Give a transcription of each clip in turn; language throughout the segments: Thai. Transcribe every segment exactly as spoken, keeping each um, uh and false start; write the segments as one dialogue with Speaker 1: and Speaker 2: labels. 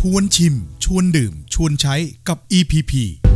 Speaker 1: วนชิมชวนดื่มชวนใช้กับ อี พี พี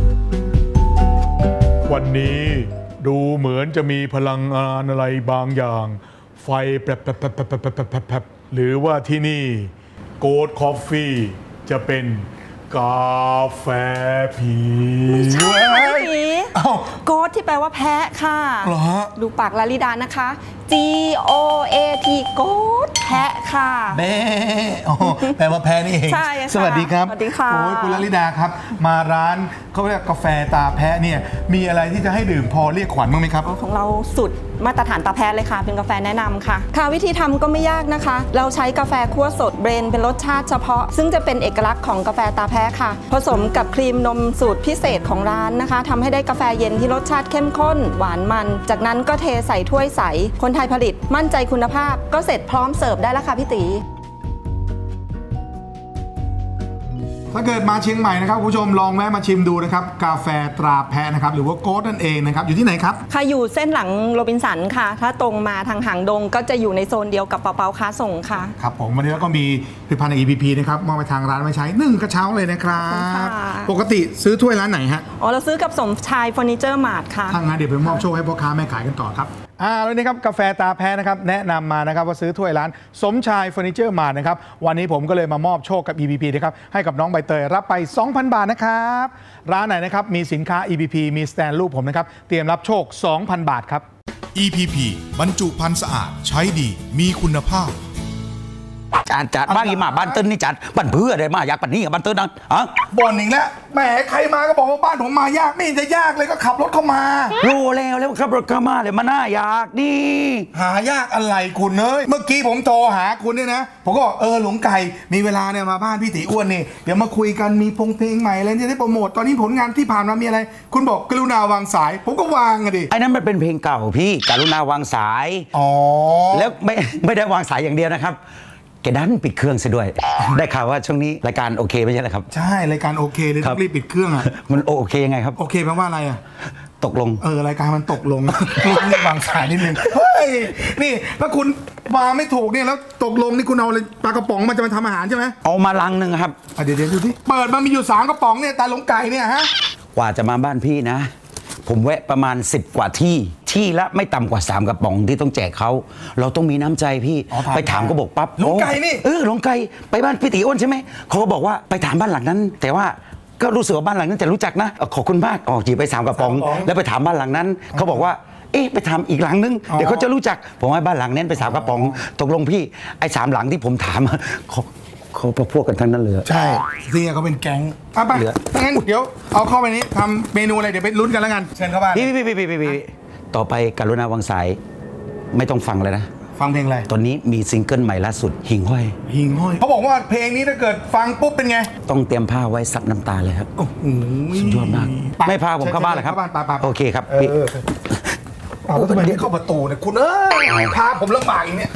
Speaker 2: วันนี้ดูเหมือนจะมีพลังงานอะไรบางอย่างไฟแป๊บแป๊บแป๊บแป๊บแป๊บแป๊บแป๊บหรือว่าที่นี่โกดคอฟฟี่จะเป็นกาแฟผี
Speaker 3: ไม่ใช่ผีโกดที่แปลว่าแพะค่ะดูปากลาลิดานะคะ G O A T โกดแพะค่ะ
Speaker 4: แม่แปลว่าแพะนี่เอง
Speaker 3: ใช่
Speaker 4: สวัสดีครับ
Speaker 3: สวัสดีค่ะ
Speaker 4: โอ้ยคุณลาลิดาครับมาร้านเขาเรียกกาแฟตาแพะเนี่ยมีอะไรที่จะให้ดื่มพอเรียกขวัญบ้างไหมครับ
Speaker 3: ของเราสุดมาตรฐานตาแพะเลยค่ะเป็นกาแฟแนะนำค่ะค่ะวิธีทำก็ไม่ยากนะคะเราใช้กาแฟคั่วสดเบรนเป็นรสชาติเฉพาะซึ่งจะเป็นเอกลักษณ์ของกาแฟตาแพะค่ะผสมกับครีมนมสูตรพิเศษของร้านนะคะทำให้ได้กาแฟเย็นที่รสชาติเข้มข้นหวานมันจากนั้นก็เทใส่ถ้วยใสคนไทยผลิตมั่นใจคุณภาพก็เสร็จพร้อมเสิร์ฟได้แล้วค่ะพี่ตี
Speaker 4: ถ้าเกิดมาเชียงใหม่นะครับคุณผู้ชมลองแวะมาชิมดูนะครับกาแฟตราแพะนะครับหรือว่าโกดนั่นเองนะครับอยู่ที่ไหนครับ
Speaker 3: ค่ะอยู่เส้นหลังโรบินสันค่ะถ้าตรงมาทางหางดงก็จะอยู่ในโซนเดียวกับเปาเปาค้าส่งค่ะ
Speaker 4: ครับผมวันนี้ก็มีผลิตภัณฑ์ อี พี พี นะครับมอบไปทางร้านไว้ใช้หนึ่งกระเช้าเลยนะครับปกติซื้อถ้วยร้านไหนฮะ
Speaker 3: อ๋อเราซื้อกับสมชายเฟอร์นิเจอร์มาร์ทค่ะ
Speaker 4: ทางงานเดี๋ยวไปมอบโชคให้พ่อค้าแม่ขายกันต่อครับอ่าแล้วนี่ครับกาแฟตาแพะนะครับแนะนำมานะครับว่าซื้อถ้วยร้านสมชายเฟอร์นิเจอร์มาร์ทนะครับวันนี้ผมก็เลยมามอบโชคกับ อี พี พี นะครับให้กับน้องใบเตยรับไป สองพัน บาทนะครับร้านไหนนะครับมีสินค้า อี พี พี มีสแตนรูปผมนะครับเตรียมรับโชค สองพัน บาทครับ
Speaker 1: อี พี พี บรรจุภัณฑ์สะอาดใช้ดีมีคุณภาพ
Speaker 5: จัดจัดบ้างอีมาบ้านเติ้ลนี่จัดบ้านเพื่อได้มาอยากปันนี้กับบ้านเติ้ลนะฮะ
Speaker 4: บ่นอีกแล้วแหมใครมาก็บอกว่าบ้านผมมายากไม่เห็นจะยากเลยก็ขับรถเข้ามา
Speaker 5: รู้แล้วแล้วขับรถเข้ามาเลยมาน่าอยากนี่
Speaker 4: หายากอะไรคุณเอ้ยเมื่อกี้ผมโทรหาคุณเนี่ยนะผมก็บอกเออหลวงไก่มีเวลาเนี่ยมาบ้านพี่ตีอ้วนนี่เดี๋ยวมาคุยกันมีพงเพลงใหม่อะไรที่ได้โปรโมทตอนนี้ผลงานที่ผ่านมามีอะไรคุณบอกกรุณาวางสายผมก็วางอะดิ
Speaker 5: ไอ้นั้นมันเป็นเพลงเก่าพี่กรุณาวางสาย
Speaker 4: อ๋อ
Speaker 5: แล้วไม่ไม่ได้วางสายอย่างเดียวนะครับแกดันปิดเครื่องซะด้วยได้ข่าวว่าช่วงนี้รายการโอเคไม่ใช่เหรอครับ
Speaker 4: ใช่รายการโอเคเลยต้องรีบปิดเครื่องอ่ะ
Speaker 5: มันโอเคยังไงครับ
Speaker 4: โอเคแปลว่าอะไรอ่ะ
Speaker 5: ตกลง
Speaker 4: เออรายการมันตกลงรีบวางสายนิดนึงเฮ้ยนี่ถ้าคุณมาไม่ถูกเนี่ยแล้วตกลงนี่คุณเอาปลากระป๋องมาจะมาทำอาหารใช่ไหม
Speaker 5: เอามาลังหนึ่งครับ
Speaker 4: เดี๋ยวเดี๋ยวดูที่เปิดมันมีอยู่สามกระป๋องเนี่ยตาหลงไก่เนี่ยฮะ
Speaker 5: กว่าจะมาบ้านพี่นะผมแวะประมาณสิบกว่าที่ที่ละไม่ต่ำกว่าสามกระป๋องที่ต้องแจกเขาเราต้องมีน้ำใจพี่ไปถามก็บอกปั๊บ
Speaker 4: หลงไก่นี่
Speaker 5: เออหลงไก่ไปบ้านพี่ตีอ้นใช่ไหมเขาก็บอกว่าไปถามบ้านหลังนั้นแต่ว่าก็รู้สึกว่าบ้านหลังนั้นจะรู้จักนะขอบคุณมากออกจีไปสามกระป๋องแล้วไปถามบ้านหลังนั้นเขาบอกว่าเอ๊ะไปถามอีกหลังนึงเดี๋ยวเขาจะรู้จักผมให้บ้านหลังนั้นไปสามกระป๋องตกลงพี่ไอ้สามหลังที่ผมถามเขาเขาพวกกันทั้งนั้นเลย
Speaker 4: ใช่ที่เขาเป็นแก๊งอ่ะไปงั้นเดี๋ยวเอาเข้าไปนี้ทำเมนูอะไรเดี๋ยวไปลุ้นกันแล้วกันเชิญเข้าบ้าน
Speaker 5: พี่พี่พี่พี่พี่ต่อไปกรุณาวางสายไม่ต้องฟังเลยนะ
Speaker 4: ฟังเพลงอะไร
Speaker 5: ตอนนี้มีซิงเกิลใหม่ล่าสุดหิ่งห้อย
Speaker 4: หิ่งห้อยเขาบอกว่าเพลงนี้ถ้าเกิดฟังปุ๊บเป็นไง
Speaker 5: ต้องเตรียมผ้าไว้ซับน้ำตาเลยครับโอ้โหสุดยอดมากไม่พาผมเข้าบ้านเหรอครับโอเคครับพี่
Speaker 4: เอาแล้วทำไมไม่เข้าประตูเนี่ยคุณเอ้ยพาผมลำบากอย่างเนี้ย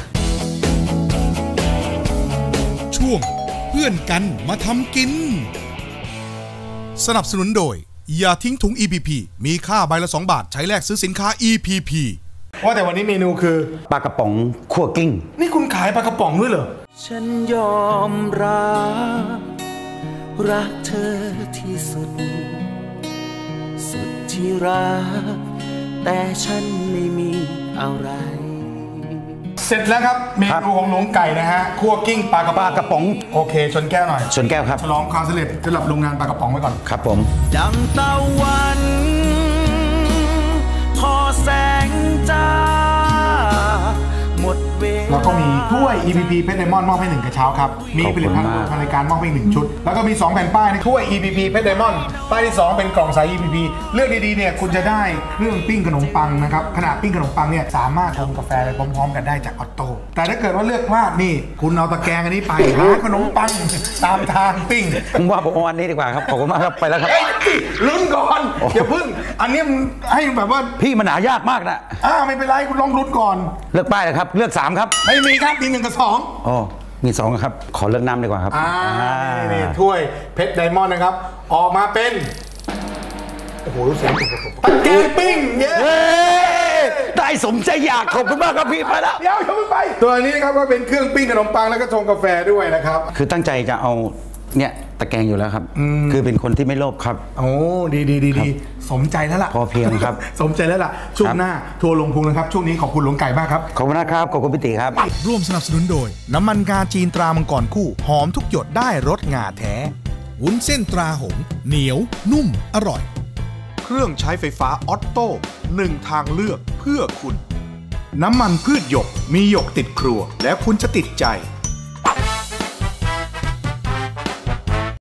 Speaker 1: ช่วงเพื่อนกันมาทำกินสนับสนุนโดยอย่าทิ้งถุง อี พี พี มีค่าใบละสองบาทใช้แลกซื้อสินค้า อี พี พี
Speaker 4: ว่าแต่วันนี้เมนูคือ
Speaker 5: ปลากระป๋องคั่วกิ้ง
Speaker 4: นี่คุณขายปลากระป๋องด้วยเหรอ
Speaker 6: ฉันยอมรับรักเธอที่สุดสุดที่รักแต่ฉันไม่มีอะไร
Speaker 4: เสร็จแล้วครับเมนูของหลวงไก่นะฮะคั่วกิ้งปลากระป๋อง
Speaker 5: กระป๋อง
Speaker 4: โอเคชนแก้วหน่อย
Speaker 5: ชนแก้วครับ
Speaker 4: ฉลองความสำเร็จสำหรับโรงงานปลากระป๋องไว้ก่อน
Speaker 5: ครับผม
Speaker 6: ดังตะวันพอแสงจ้าหมดเวลา
Speaker 4: แล้วก็มีถ้วย อี พี พี เพชรไดมอนด์มอบให้หนึ่งกระเช้าครับมีผลิตภัณฑ์ทางรายการมอบให้หนึ่งชุดแล้วก็มีสองแผ่นป้ายถ้วย อี พี พี เพชรไดมอนด์ป้ายที่สองเป็นกล่องใส อี พี พี เลือกดีๆเนี่ยคุณจะได้เครื่องปิ้งขนมปังนะครับขณะปิ้งขนมปังเนี่ยสามารถชงกาแฟไปพร้อมๆกันได้จากออโต้แต่ถ้าเกิดว่าเลือกพลาดนี่คุณเอาตะแกรงอันนี้ไปหาขนมปังตามทางปิ้ง
Speaker 5: ผมว่าผมเอาอันนี้ดีกว่าครับขอบคุณมากครับไปแล้วครับ
Speaker 4: ลุ้นก่อนอย่าพึ่งอันนี้ให้แบบว่า
Speaker 5: พี่มันหายากมากนะ
Speaker 4: อ้าไม่เป็นไรคุณลองลุ้นก่อน
Speaker 5: เลือกป้ายเลยครับเลือกสามครับ
Speaker 4: ไม่มีครับมีหนึ่งกับสอง
Speaker 5: อ๋อมีสองครับขอเลือกน้ำดีกว่าครับ
Speaker 4: อ่านี่ถ้วยเพชรไดมอนด์นะครับออกมาเป็นโอ้โหรู้สึกตะแกรงปิ้งเย้
Speaker 5: ได้สมใจอยากขอบคุณมากครับพี่ไปแล้ว
Speaker 4: เดี๋ยวอย่าเพิ่งไปตัวนี้นะครับก็เป็นเครื่องปิ้งขนมปังแล้วก็ชงกาแฟด้วยนะครับ
Speaker 5: คือตั้งใจจะเอาเนี่ยตะแกรงอยู่แล้วครับคือเป็นคนที่ไม่โลภครับ
Speaker 4: โอ้ดีดีดีดีสมใจแล้วล่ะ
Speaker 5: พอเพียงครับ
Speaker 4: สมใจแล้วล่ะช่วงหน้าทัวร์ลงพุงนะครับช่วงนี้ขอบคุณหลวงไก่มากครับ
Speaker 5: ขอบคุณนะครับขอบคุณพี่ติครับ
Speaker 1: ร่วมสนับสนุนโดยน้ำมันงาจีนตรามังกรคู่หอมทุกหยดได้รสงาแท้วุ้นเส้นตราหงเหนียวนุ่มอร่อยเครื่องใช้ไฟฟ้าออตโต้หนึ่งทางเลือกเพื่อคุณน้ำมันพืชหยกมีหยกติดครัวแล้วคุณจะติดใจ